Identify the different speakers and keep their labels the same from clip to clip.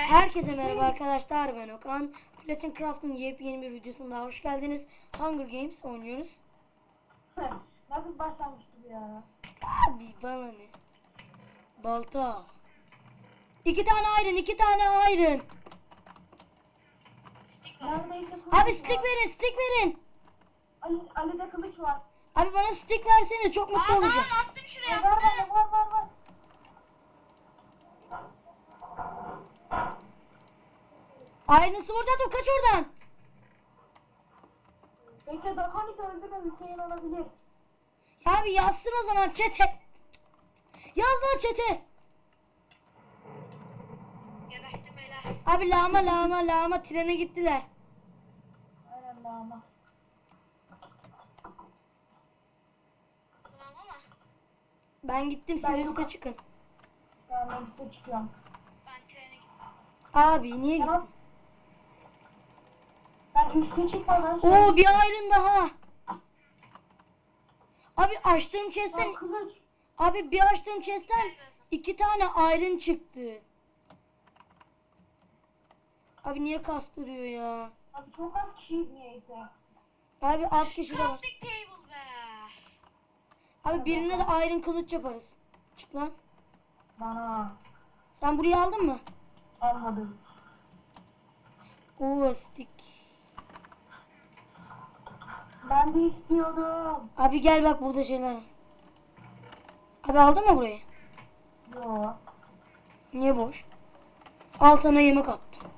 Speaker 1: Herkese merhaba arkadaşlar, ben Okan. Platin Craft'ın yepyeni bir videosuna hoş geldiniz. Hunger Games oynuyoruz.
Speaker 2: Nasıl başlamıştı bu ya?
Speaker 1: Abi bana ne? Balta. 2 tane iron.
Speaker 2: Neredeyse
Speaker 1: Abi stick verin.
Speaker 2: Ali'de kılıç var.
Speaker 1: Abi bana stick versene, çok mutlu olacağım.
Speaker 3: Attım şuraya.
Speaker 2: Var.
Speaker 1: Aynısı burada, dur kaç oradan.
Speaker 2: Bekle Drakonit öldü mü Hüseyin olabilir.
Speaker 1: Ya abi yazsın o zaman çete. Yaz lan çete.
Speaker 3: Gebertim beyler.
Speaker 1: Abi lağma trene gittiler.
Speaker 2: Aynen ama.
Speaker 3: Ulan ama
Speaker 1: Ben gittim, siz üste çıkın.
Speaker 2: Ben üstte çıkıyorum.
Speaker 3: ben trene gittim.
Speaker 1: Abi niye gittin?
Speaker 2: Tamam. Ben üstte çıkmadan
Speaker 1: Oo, bir iron daha. Abi açtığım chest'ten
Speaker 2: kılıç.
Speaker 1: bir açtığım chest'ten 2 tane iron çıktı. Abi niye kastırıyor ya?
Speaker 2: Abi çok az kişiyiz niyeyse.
Speaker 1: Abi az kişi de var.
Speaker 3: Crafting table be.
Speaker 1: Abi birine de iron kılıç yaparız. Çık lan.
Speaker 2: Bana
Speaker 1: Sen burayı aldın mı?
Speaker 2: almadım.
Speaker 1: Oo, stick.
Speaker 2: Ben de istiyordum.
Speaker 1: Abi gel bak, burada şeyler var. Abi aldın mı burayı?
Speaker 2: Yo.
Speaker 1: Niye boş? Al sana yemek attım.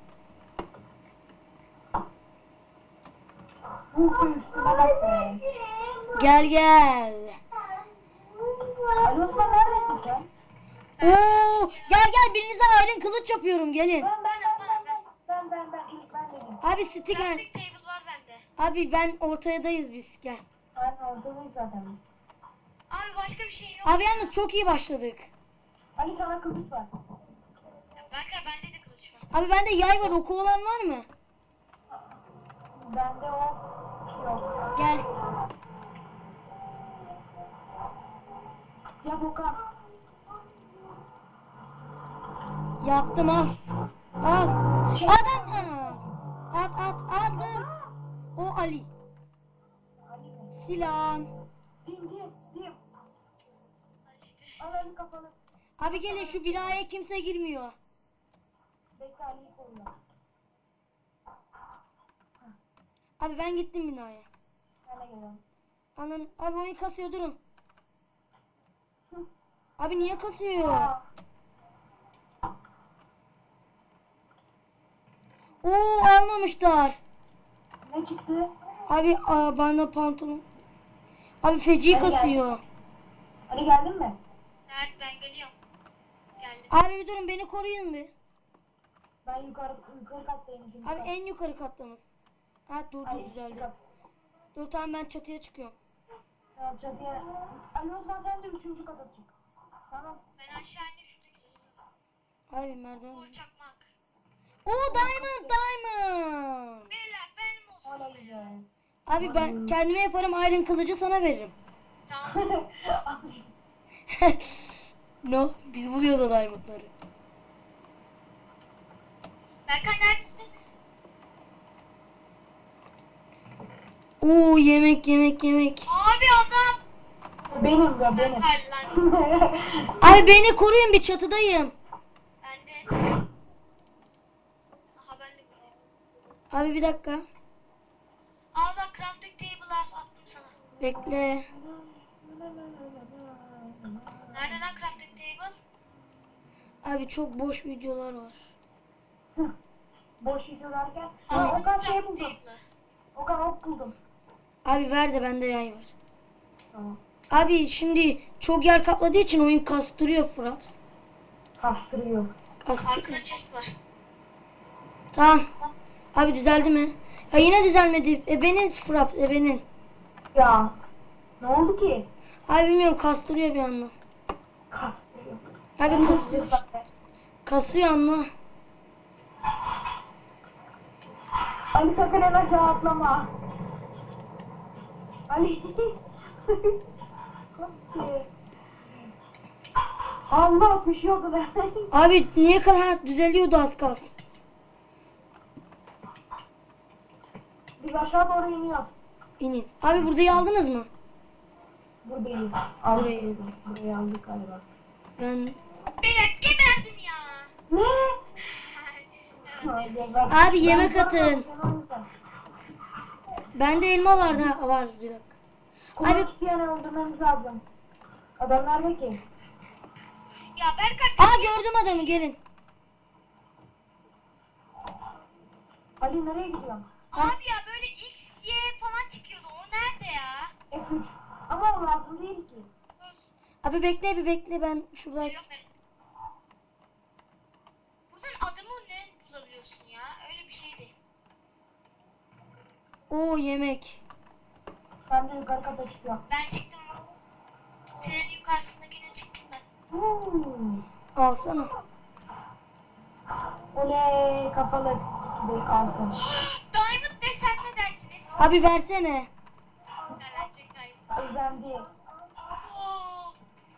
Speaker 2: Bu üstüne bak be.
Speaker 1: Gel.
Speaker 2: Ali Osman neredesin sen?
Speaker 1: Oo, gel birinize iron kılıç yapıyorum, gelin.
Speaker 2: Ben ilk ben dedim.
Speaker 1: Abi stick.
Speaker 3: Crafting table var bende.
Speaker 1: Abi ben ortadayız biz, gel.
Speaker 2: Aynen ortadayız zaten biz.
Speaker 3: Abi başka bir şey yok.
Speaker 1: Abi yalnız çok iyi başladık.
Speaker 2: Ali sana kılıç var.
Speaker 3: Ya Berkay bende de kılıç var.
Speaker 1: Abi bende yay var, oku olan var mı?
Speaker 2: Bende o yok.
Speaker 1: Gel.
Speaker 2: Ya Bokan.
Speaker 1: Yaptım, al. Al. Adam al. At aldım. O Ali.
Speaker 2: Ali mi?
Speaker 1: Silah.
Speaker 2: Dim.
Speaker 3: Al işte.
Speaker 2: Al Ali kafanı.
Speaker 1: Abi gelin, şu binaya kimse girmiyor.
Speaker 2: Bekle Ali'yi koyuyor.
Speaker 1: Abi ben gittim binaya.
Speaker 2: Ben de geliyorum.
Speaker 1: Ananı. Abi oyun kasıyor, durun. Abi niye kasıyor?
Speaker 2: Aa,
Speaker 1: Oo, almamışlar.
Speaker 2: ne çıktı?
Speaker 1: Abi bana pantolon. Abi feci
Speaker 2: Hadi gel.
Speaker 1: kasıyor.
Speaker 2: Ali geldin mi?
Speaker 3: Nerede ben geliyorum. Geldim.
Speaker 1: Abi bir durun, beni koruyun bir.
Speaker 2: Ben yukarı kattayım. ikinci
Speaker 1: Abi
Speaker 2: kat.
Speaker 1: en yukarı kattamız. Ha dur
Speaker 2: Ali,
Speaker 1: düzeldi.
Speaker 2: ikinci kat.
Speaker 1: Dur tamam, ben çatıya çıkıyorum.
Speaker 2: Tamam çatıya. Ali Osman sen de 3. kata çık. Tamam.
Speaker 3: Ben aşağı indim şuradaki chest'e.
Speaker 1: Abi merdiven.
Speaker 3: O çakmak.
Speaker 1: Oo, diamond.
Speaker 3: Beyler benim olsun
Speaker 2: Öyle
Speaker 3: be.
Speaker 2: güzel.
Speaker 1: Abi ben kendime yaparım, iron kılıcı sana veririm.
Speaker 3: Tamam.
Speaker 1: No, biz buluyoruz o diamondları.
Speaker 3: Berkay neredesiniz?
Speaker 1: Oo, yemek.
Speaker 3: Abi adam.
Speaker 2: Benim ya benim.
Speaker 3: Berkay lan.
Speaker 1: Abi beni koruyun, bir çatıdayım.
Speaker 3: Ben de. Aha ben de buradayım.
Speaker 1: Abi bir dakika.
Speaker 3: Al bak crafting table attım sana.
Speaker 1: Bekle.
Speaker 3: Nerede lan crafting table?
Speaker 1: Abi çok boş videolar var.
Speaker 2: Boş video derken.
Speaker 3: Al
Speaker 2: Okan şey
Speaker 3: crafting
Speaker 2: buldum.
Speaker 3: table'ı.
Speaker 2: Okan ok buldum.
Speaker 1: Abi ver de bende yay var.
Speaker 2: Tamam.
Speaker 1: Abi şimdi çok yer kapladığı için oyun kastırıyor Fraps.
Speaker 2: Kastırıyor.
Speaker 3: Arkada chest var.
Speaker 1: Tamam. Abi düzeldi mi? Ya yine düzelmedi. Ebenin Fraps, ebenin.
Speaker 2: Ya. Ne oldu ki?
Speaker 1: Abi bilmiyorum, kastırıyor bir anda.
Speaker 2: Kastırıyor.
Speaker 1: Abi kasıyor. Kasıyor anla.
Speaker 2: Ali sakın en aşağı atlama. Ali. Allah düşüyordu be.
Speaker 1: Abi niye kadar düzeliyordu az kalsın.
Speaker 2: Biz aşağı doğru iniyoruz.
Speaker 1: İnin. Abi burayı aldınız mı?
Speaker 2: Buradayız.
Speaker 1: Burayı.
Speaker 2: Burayı aldık galiba.
Speaker 1: Ben...
Speaker 3: Beyler geberdim ya.
Speaker 2: Ne?
Speaker 1: Abi yemek atın. Bende elma vardı. Ha, var bir dakika.
Speaker 2: Abi
Speaker 1: Abi...
Speaker 2: iki tane öldürmemiz lazım. Adam nerede ki?
Speaker 3: Ya Berkay
Speaker 1: Aa gördüm adamı gelin.
Speaker 2: Ali nereye gidiyorsun?
Speaker 3: abi ya böyle X, Y falan çıkıyordu. O nerede ya?
Speaker 2: F3. Ama o lazım değil ki.
Speaker 3: Olsun.
Speaker 1: Abi bekle bir bekle ben şurada...
Speaker 3: Seviyorum ben. Buradan adımı ne bulabiliyorsun ya? Öyle bir şey değil.
Speaker 1: Oo yemek.
Speaker 2: Ben de yukarı kata çıkıyorum.
Speaker 3: Ben çıktım. Trenin yukarısındakine çıktım ben.
Speaker 1: Alsana.
Speaker 2: Oley kafalı bir altın.
Speaker 3: Diamond Bey sen ne dersiniz?
Speaker 1: Abi versene.
Speaker 3: Gelecek Diamond.
Speaker 2: Özendi.
Speaker 3: Oo.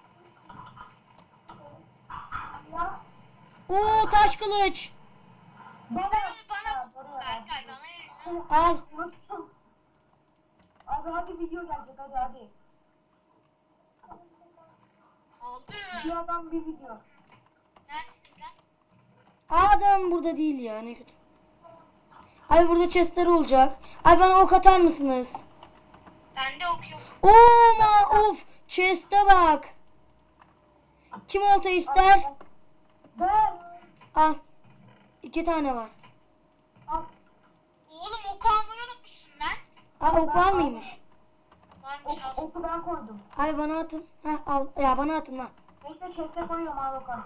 Speaker 1: Oo taş kılıç.
Speaker 2: Bana.
Speaker 3: Bana Berkay bana verin.
Speaker 1: Al.
Speaker 2: Unuttum. Abi hadi video gelecek hadi.
Speaker 3: Aldı.
Speaker 2: Bir adam bir video.
Speaker 3: Neredesiniz lan?
Speaker 1: Adam burada değil ya ne kötü. Abi burada chestler olacak. Abi bana ok atar mısınız?
Speaker 3: Ben de okuyorum.
Speaker 1: Oo of chest'e bak. Kim olta ister?
Speaker 2: Ben.
Speaker 1: Al. 2 tane var.
Speaker 2: Al.
Speaker 3: Oğlum oku almayı unutmuşsun lan.
Speaker 1: Aa ok var mıymış?
Speaker 3: Varmış al.
Speaker 2: Oku ben koydum.
Speaker 1: Abi bana atın. Heh al. Ya bana atın lan.
Speaker 2: Bekle chest'e koyuyorum al bakalım.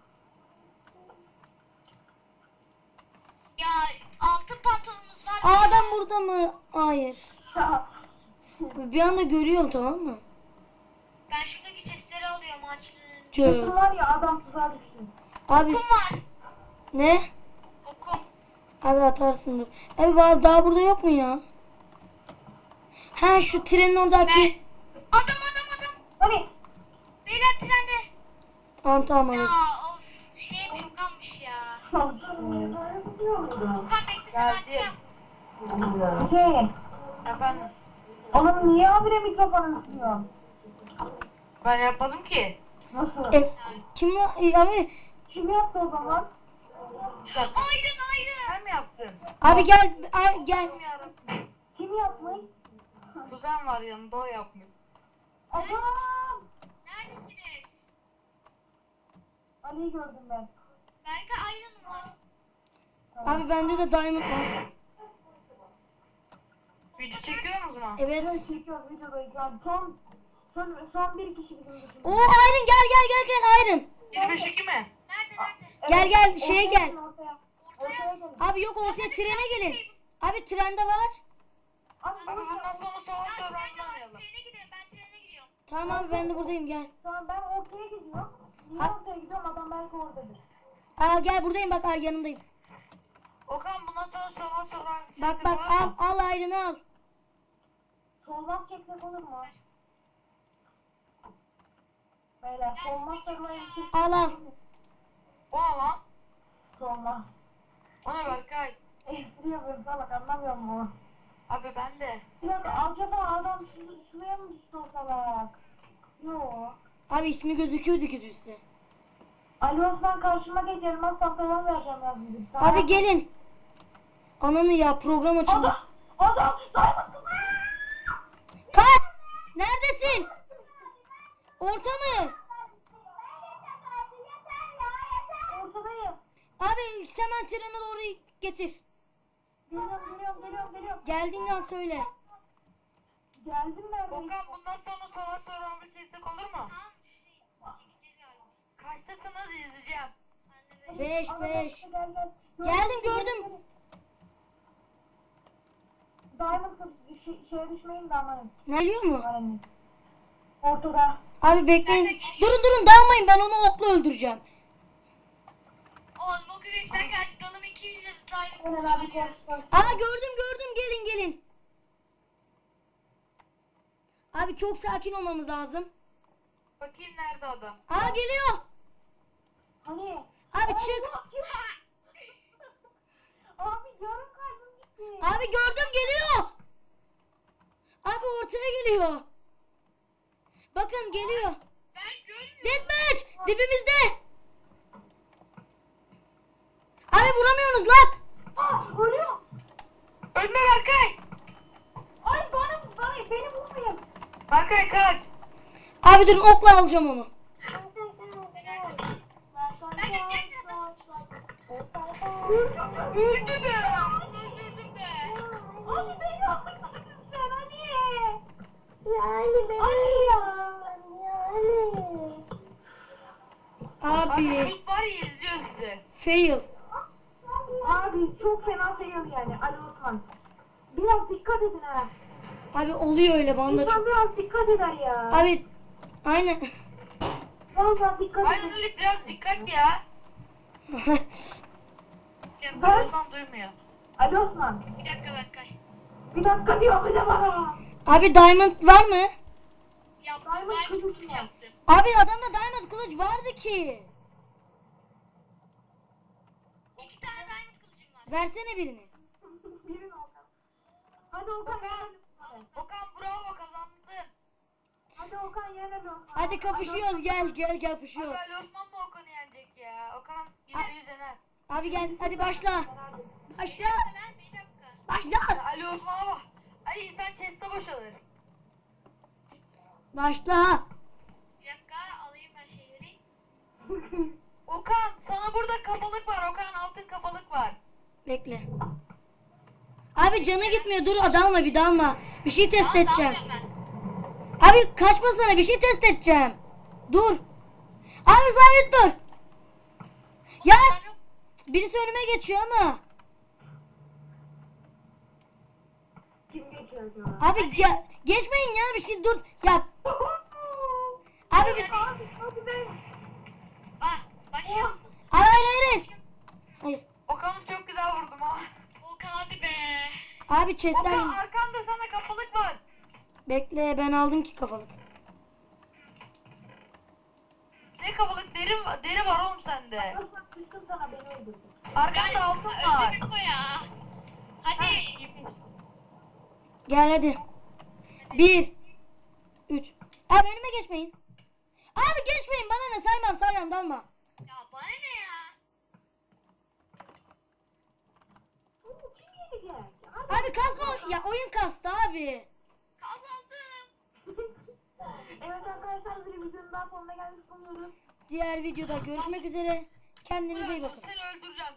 Speaker 3: Ya altın pantolonumuz var.
Speaker 1: Aa, adam burada mı? Hayır.
Speaker 2: Ya.
Speaker 1: Bir anda görüyorum tamam mı?
Speaker 3: Ben şuradaki chestleri alıyorum ağaçların.
Speaker 1: Çöz.
Speaker 2: Kesin var ya adam tuzağa düştü.
Speaker 1: Abi
Speaker 3: Okum var.
Speaker 1: ne?
Speaker 3: Okum.
Speaker 1: Abi atarsın dur. Abi daha burada yok mu ya? Ha şu trenin oradaki.
Speaker 3: Ben. Adam.
Speaker 2: Hani?
Speaker 3: Beyler trende.
Speaker 1: Tamam
Speaker 3: Ya
Speaker 1: alırız.
Speaker 3: of şeyim çok kalmış ya.
Speaker 2: Al işte.
Speaker 3: Okan bekle sana açacağım.
Speaker 2: Hüseyin.
Speaker 4: Efendim,
Speaker 2: Oğlum niye abire mikrofonu ısınıyorsun?
Speaker 4: ben yapmadım ki.
Speaker 2: Nasıl?
Speaker 1: Kim lan? Abi
Speaker 2: Kim yaptı o zaman?
Speaker 3: Ayrın.
Speaker 4: Sen mi yaptın?
Speaker 1: gel gel.
Speaker 4: Kim yarım?
Speaker 2: Kim yapmış?
Speaker 4: Kuzen var yanında, o yapmış.
Speaker 2: Adam!
Speaker 3: Neredesiniz?
Speaker 2: Ali'yi gördüm ben.
Speaker 3: Berkay ayrınım var.
Speaker 1: Abi bende de diamond var.
Speaker 4: Video çekiyorsunuz mu?
Speaker 1: Evet.
Speaker 2: Evet çekiyoruz videodayız. Yani son bir kişi bizim dışında.
Speaker 1: Oo Iron gel Iron.
Speaker 4: 25-2 mi?
Speaker 3: Nerede?
Speaker 1: Gel şeye gel.
Speaker 2: Ortaya.
Speaker 3: Ortaya.
Speaker 2: Ortaya gelin.
Speaker 1: Abi yok ortaya trene gelin. Abi trende var.
Speaker 2: Abi,
Speaker 4: Abi bundan sonra sola
Speaker 3: Trene
Speaker 4: oynayalım.
Speaker 3: gidelim. Ben trene gidiyorum.
Speaker 1: Tamam abi ben de buradayım gel.
Speaker 2: Tamam ben ortaya gidiyorum. Niye ortaya gidiyorum? Adam belki oradadır.
Speaker 1: Aa gel buradayım bak yanındayım.
Speaker 4: Okan bundan sonra sola
Speaker 1: Bak al Iron'ı al.
Speaker 2: Solmaz çeksek olur mu? Beyler solmaz çekmeyin.
Speaker 1: Al.
Speaker 4: O ne lan?
Speaker 2: Solmaz.
Speaker 4: O ne Berkay?
Speaker 2: Espri yapıyorum salak anlamıyor musun?
Speaker 4: Abi ben de.
Speaker 2: Bir dakika acaba adam şuraya mı düştü o salak? Yok.
Speaker 1: Abi ismi gözüküyordu ki üstte.
Speaker 2: Ali Osman karşıma geç elmas pantolon vereceğim yazdım.
Speaker 1: Abi gelin. Ananı ya program açıldı.
Speaker 2: Adam! Diamond kızı!
Speaker 1: Kaç! Neredesin? Orta mı?
Speaker 2: Ortadayım.
Speaker 1: Abi hemen trene doğru getir.
Speaker 2: Geliyorum.
Speaker 1: Geldiğin an söyle.
Speaker 2: Geldim neredeyse.
Speaker 4: Okan bundan sonra sola bir çeksek olur mu?
Speaker 3: Tamam çekeceğiz galiba.
Speaker 4: Kaçtasınız izleyeceğim.
Speaker 3: Ben de
Speaker 1: 5
Speaker 2: Ama
Speaker 1: 5.
Speaker 2: gel.
Speaker 1: Geldim, gördüm.
Speaker 2: Diamond kızı şeye düşmeyin de amanın.
Speaker 1: Ne biliyor mu?
Speaker 2: Amanın. Ortada.
Speaker 1: Abi bekleyin. Durun dalmayın ben onu okla öldüreceğim.
Speaker 3: Oğlum o güveç ben geldim. Dalım ikimiz de daire
Speaker 2: Hemen
Speaker 3: kılıç
Speaker 2: abi
Speaker 3: var ya.
Speaker 2: koş.
Speaker 1: Aa gördüm gelin. Abi çok sakin olmamız lazım.
Speaker 4: Bakayım nerede adam.
Speaker 1: Aa geliyor.
Speaker 2: Hani?
Speaker 1: Abi çık.
Speaker 2: Abi yarım kalbim gitti.
Speaker 1: Abi gördüm, geliyor. Abi ortaya geliyor. Bakın geliyor.
Speaker 3: Ben görmüyorum.
Speaker 1: Deathmatch dibimizde. Abi vuramıyorsunuz lan.
Speaker 2: Ölüyor.
Speaker 4: Ölme Berkay.
Speaker 2: Ay bana beni vurmayın.
Speaker 4: Berkay kaç.
Speaker 1: Abi durun, okla alacağım onu.
Speaker 3: Ben de diğer tarafa sıçradım.
Speaker 4: Öldü be.
Speaker 3: Öldürdüm be.
Speaker 2: Abi beni öldürdün sen hani. Yani beni. Ay ya.
Speaker 4: Abi
Speaker 1: Abi
Speaker 4: şut var ya, izliyor sizi.
Speaker 1: fail.
Speaker 2: Abi çok fena fail yani Ali Osman. Biraz dikkat edin ha.
Speaker 1: Abi oluyor öyle, bana da
Speaker 2: İnsan
Speaker 1: çok.
Speaker 2: biraz dikkat eder ya.
Speaker 1: Abi aynen.
Speaker 2: Vallahi dikkat
Speaker 4: Aynen
Speaker 2: edin.
Speaker 4: öyle, biraz dikkat ya.
Speaker 2: Ben-
Speaker 4: Osman duymuyor.
Speaker 2: Ali Osman.
Speaker 3: Bir dakika Berkay.
Speaker 2: Bir dakika diyor bir de bana.
Speaker 1: Abi diamond var mı?
Speaker 3: Yaptım.
Speaker 2: Diamond
Speaker 3: Diamond
Speaker 2: kılıç
Speaker 3: kılıç
Speaker 2: var.
Speaker 3: yaptım.
Speaker 1: Abi adamda diamond kılıç vardı ki.
Speaker 3: 2 tane diamond kılıcım var.
Speaker 1: Versene birini.
Speaker 2: Birin Okan. Hadi Okan
Speaker 4: Okan.
Speaker 2: yenelim.
Speaker 4: Okan bravo, kazandın.
Speaker 2: Hadi Okan yenelim.
Speaker 1: Hadi kapışıyoruz, gel
Speaker 4: Abi
Speaker 1: kapışıyoruz.
Speaker 4: Ali Osman mı Okan'ı yenecek ya? Okan %100 yener.
Speaker 1: Abi gel hadi başla. Başla.
Speaker 3: Lan bir dakika.
Speaker 1: Başla.
Speaker 4: Ali Osman'a bak. Ay sen chest'e boşalır.
Speaker 1: Başla.
Speaker 3: Bir dakika alayım ben şeyleri.
Speaker 4: Okan sana burada kafalık var. Okan altın kafalık var.
Speaker 1: Bekle. Abi canı gitmiyor, dur dalma, bir dalma. Bir şey test
Speaker 3: Tamam,
Speaker 1: edeceğim.
Speaker 3: dalmıyorum ben.
Speaker 1: Abi kaçmasana, bir şey test edeceğim. Dur. Abi sabit dur. Ya
Speaker 3: Ben yok.
Speaker 1: birisi önüme geçiyor ama.
Speaker 2: Kim geçiyor acaba?
Speaker 1: Abi gel. Geçmeyin ya, bir şey dur. Ya abi bir...
Speaker 2: Hadi be.
Speaker 3: Ah başlayalım.
Speaker 1: Hayır hayır hayır. Hayır.
Speaker 4: Okan'ı çok güzel vurdum ha.
Speaker 3: Volkan hadi be.
Speaker 1: Abi chestler...
Speaker 4: Okan arkamda sana kafalık var.
Speaker 1: Bekle, ben aldım ki kafalık.
Speaker 4: Ne kafalık, deri var oğlum sende.
Speaker 2: Osman küstüm sana beni öldürdün.
Speaker 4: Arkanda altın var.
Speaker 3: Özür dilerim ya. Hadi.
Speaker 4: Gitmiş.
Speaker 1: Gel hadi. 1 3. Abi önüme geçmeyin. Abi geçmeyin, bana ne, saymam dalma.
Speaker 3: Ya bana ne ya?
Speaker 2: Oo, kim yenecek? Hadi.
Speaker 1: Abi kasma, ya oyun kastı abi.
Speaker 3: Kazandım.
Speaker 2: Evet arkadaşlar bir videonun daha sonuna gelmiş bulunuyoruz.
Speaker 1: Diğer videoda görüşmek üzere. Kendinize iyi bakın.
Speaker 4: Seni öldüreceğim.